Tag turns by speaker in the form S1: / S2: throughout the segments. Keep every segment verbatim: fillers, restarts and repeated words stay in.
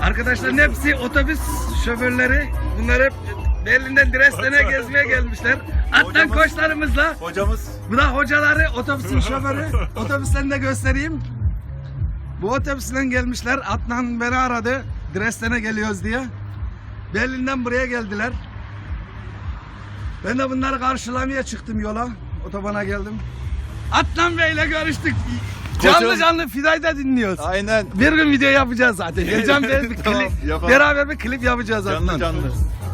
S1: Arkadaşların hepsi otobüs şoförleri. Bunlar hep Berlin'den Dresden'e gezmeye gelmişler. Atlan
S2: Hocamız-
S1: koçlarımızla.
S2: Hocamız
S1: Bu da hocaları, otobüsün şoförü. Otobüslerini de göstereyim. Bu otobüsle gelmişler. Adnan beni aradı. Dresden'e geliyoruz diye. Berlin'den buraya geldiler. Ben de bunları karşılamaya çıktım yola. Otobana geldim. Adnan Bey'le görüştük. Canlı
S2: Koçum.
S1: canlı Fiday'da dinliyoruz.
S2: aynen
S1: Bir gün video yapacağız zaten. Geleceğim bir, bir
S2: Tamam,
S1: klip,
S2: yapalım.
S1: beraber bir klip yapacağız
S2: canlı
S1: Adnan.
S2: canlı.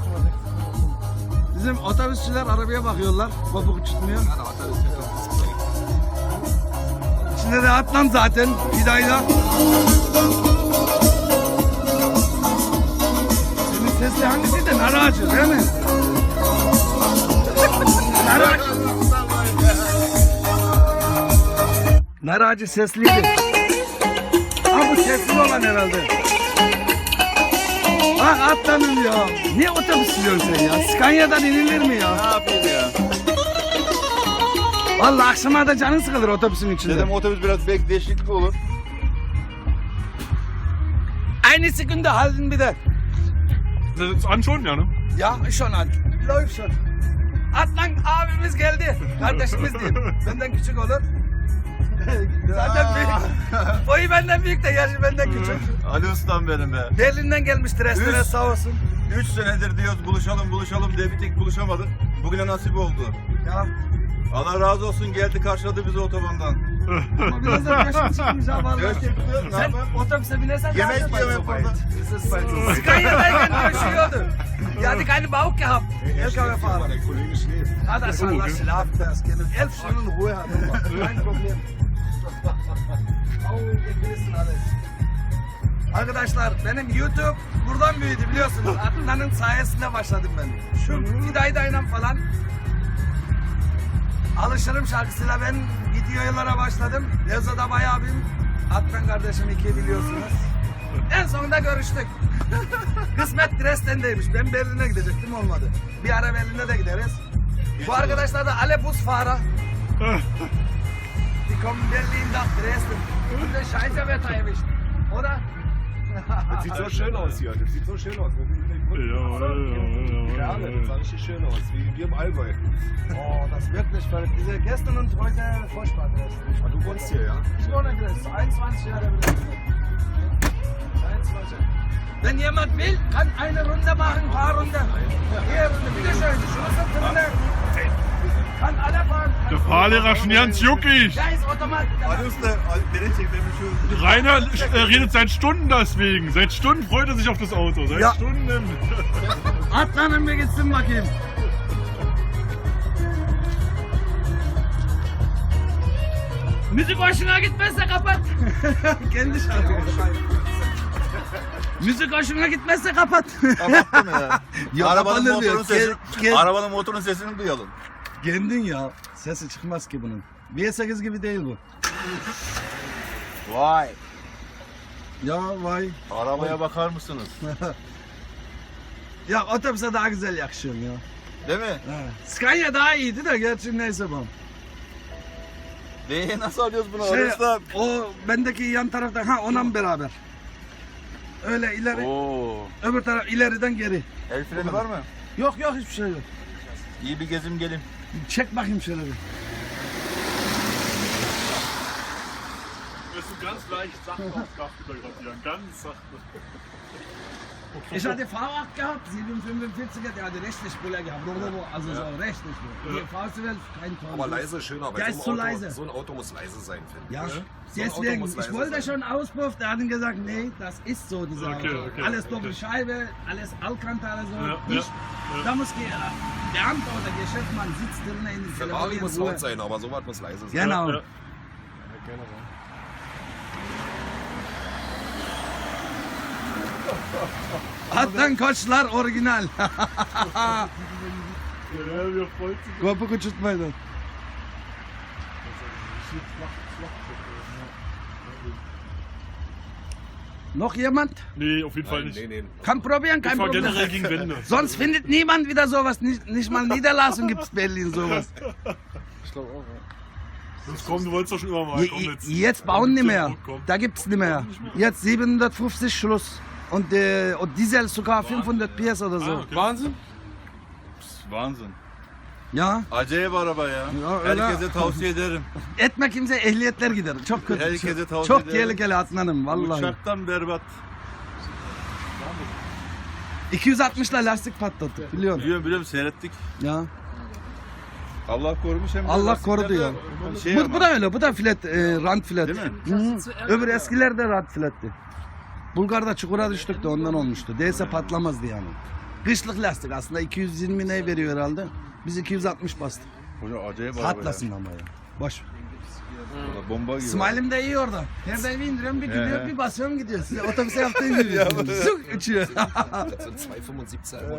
S1: Bizim otobüsçüler arabaya bakıyorlar. Kopuk uçutmuyor. Şimdi de Adnan zaten Fiday'da. Senin sesli hangisiydi? Nar ağacı değil mi? Nar ağacı. Nar ağacı sesliydi. Ha bu sesli olan herhalde. Bak Adnan'ım ya. Niye otobüs sürüyorsun sen ya? Scania'dan inilir mi ya?
S2: Ne yapayım ya?
S1: Vallahi akşama da canın sıkılır otobüsün içinde.
S2: Dedim otobüs biraz belki değişiklik olur.
S1: Aynı sekunde halten bir de.
S3: Das ist an schon, ja, ne?
S1: Ya schon an. Läuft schon. Adnan abimiz geldi. Kardeşimiz değil. Benden küçük olur. Zaten büyük. Boyu benden büyük de yaşı benden küçük.
S2: Ali ustam benim be.
S1: Berlin'den gelmiş Dresden'e
S2: Üf.
S1: sağ olsun.
S2: Üç senedir diyoruz buluşalım buluşalım diye bir tek buluşamadık. Bugüne nasip oldu.
S1: Ya
S2: Allah razı olsun geldi karşıladı bizi otobandan.
S1: ama biraz da yaşım çıkmış ha vallahi.
S2: Yaş çıktı, ne
S1: Sen
S2: yapayım?
S1: otobüse binersen
S2: Yemek
S1: daha
S2: yiyorum hep
S1: weit.
S2: orada.
S1: Scania'dayken görüşüyordu. Ja, die keine Bauch gehabt. L K W-Fahrer. Ah, das war das Schlafen, das Kind. Elf Stunden Ruhe hat er. Kein Problem. Oh, ihr wissen alles. Arkadaşlar benim YouTube buradan büyüdü biliyorsunuz. Adnan'ın sayesinde başladım ben. Şu Fidayda'yla falan Alışırım şarkısıyla ben videolara başladım. Lezzo'da bayağı bir Adnan kardeşim iki biliyorsunuz. En sonunda görüştük. Kısmet Dresden'deymiş. Ben Berlin'e gidecektim olmadı. Bir ara Berlin'e de gideriz. Bu arkadaşlar da alle Busfahrer. Die kommen Berlin nach Dresden. Und der Scheiße wird erwischt. Oder?
S4: Das sieht so schön aus hier. Das sieht so schön aus.
S3: Ja,
S4: Ja, das sah richtig schön aus. Wie wir im Allgäu.
S1: Oh, das ist wirklich verrückt. Diese gestern und heute furchtbar Dresden.
S4: Ah, du wohnst hier, ja?
S1: Ich wohne in Dresden. einundzwanzig Jahre Dresden. einundzwanzig. Wenn jemand will, kann eine Runde machen, ein paar Runden. Hier, Runde, bitteschön. Schlusspunkte. Kann alle fahren.
S3: Der Fahrlehrer schon ganz juckig.
S1: Da ist Automat.
S2: Ali usta beni çek benim şu.
S3: Rainer äh, redet seit Stunden deswegen. Seit Stunden freut er sich auf das Auto. Seit
S1: Ja.
S3: Stunden.
S1: Atlanın bir gitsin bakayım. Müzik hoşuna gitmezse kapat. Kendi şarkı. Müzik hoşuna gitmezse kapat.
S2: Kapattım ya.
S1: Yok,
S2: arabanın
S1: kapanır
S2: motorun
S1: diyor.
S2: sesi,
S1: Ke- ke-
S2: arabanın motorun sesini duyalım.
S1: Kendin ya. Sesi çıkmaz ki bunun. bir sekiz gibi değil bu.
S2: Vay.
S1: Ya vay.
S2: Arabaya bakar mısınız?
S1: Ya otobüse daha güzel yakışıyorum ya.
S2: Değil mi?
S1: Ha. Scania daha iyiydi de gerçi neyse bu.
S2: Neyi nasıl alıyoruz bunu?
S1: Şey,
S2: Ali usta?
S1: o bendeki yan tarafta ha onunla beraber. Öyle ileri,
S2: Oo.
S1: öbür taraf ileriden geri.
S2: El freni var mı?
S1: Yok yok hiçbir şey yok.
S2: İyi bir gezim gelin.
S1: Çek bakayım şöyle bir.
S3: Wirst du ganz leicht sacht aufs Dach fotografieren. Ganz sachte.
S1: Ich hatte Fahrrad gehabt, sieben fünfundvierziger, der hatte rechtlich Spieler gehabt. Oder wo, also so rechtlich. Die Fahrzeug kein Tor.
S4: Aber leise schöner, weil
S1: Der
S4: so,
S1: ist
S4: ein
S1: zu
S4: Auto,
S1: leise.
S4: so ein Auto muss leise sein, finde ich.
S1: Ja,
S4: So ein Auto
S1: deswegen,
S4: muss
S1: ich
S4: leise
S1: wollte
S4: sein.
S1: schon Auspuff, der hat dann gesagt, nee, das ist so, dieser
S3: Okay,
S1: Auto.
S3: okay,
S1: alles
S3: okay.
S1: Doppelscheibe, alles Alcantara, so.
S3: Ja,
S1: ich,
S3: ja,
S1: Da muss der Beamte oder Geschäftsmann sitzt drin in der
S4: Ferrari muss
S1: Ruhe.
S4: laut sein, aber sowas muss leise sein.
S1: Genau.
S3: Ja.
S1: Adnan Koçlar orijinal.
S3: Ja, wir freut sich.
S1: Kopuk uçurtmaydı. Noch jemand?
S3: Nee, auf jeden Fall
S4: Nein,
S3: nicht.
S4: nee, nee.
S1: Kann probieren,
S3: Ich
S1: kein
S3: war
S1: Problem.
S3: generell gegen Wände.
S1: Sonst findet niemand wieder sowas. Nicht, nicht mal Niederlassung gibt es Berlin sowas.
S4: Ich glaube auch, ja.
S3: Jetzt komm, du wolltest doch schon immer mal.
S1: Je,
S3: Komm
S1: je-
S3: jetzt.
S1: jetzt bauen nicht mehr.
S3: Komm.
S1: Da gibt es nicht mehr. Jetzt siebenhundertfünfzig Schluss. Und, äh, und Diesel sogar fünfhundert P S oder so.
S3: Ah, okay.
S4: Wahnsinn.
S2: Wahnsinn.
S1: Ya.
S2: Acayip araba ya.
S1: Ya öyle.
S2: Herkese tavsiye ederim.
S1: Etme kimse ehliyetler gider. Çok kötü.
S2: Herkese tavsiye
S1: Çok
S2: ederim.
S1: tehlikeli Adnan'ım vallahi.
S2: Uçaktan berbat.
S1: iki yüz altmışla lastik patladı biliyorsun.
S2: Biliyorum biliyorum seyrettik.
S1: Ya.
S2: Allah korumuş hem de
S1: Allah
S2: lastikler
S1: korudu
S2: de
S1: ya.
S2: Şey
S1: Bu,
S2: ama,
S1: bu da öyle. Bu da filet, e, rant filet.
S2: Değil mi?
S1: Hı. Öbür eskiler de rant filetti. Bulgar'da çukura düştük de ondan olmuştu. Değilse patlamazdı yani. Kışlık lastik aslında iki yüz yirmi ne veriyor herhalde. Biz iki yüz altmış bastık.
S2: Hoca acayip araba
S1: Patlasın ama ya. Boş.
S2: ya. Valla Bomba gibi.
S1: İsmail'im de iyi orada. Her daim indiriyorum bir gidiyor
S2: He.
S1: bir basıyorum gidiyor. Size otobüse yaptığım gibi. Zuk uçuyor.
S4: So zwei Komma fünfundsiebzig Euro.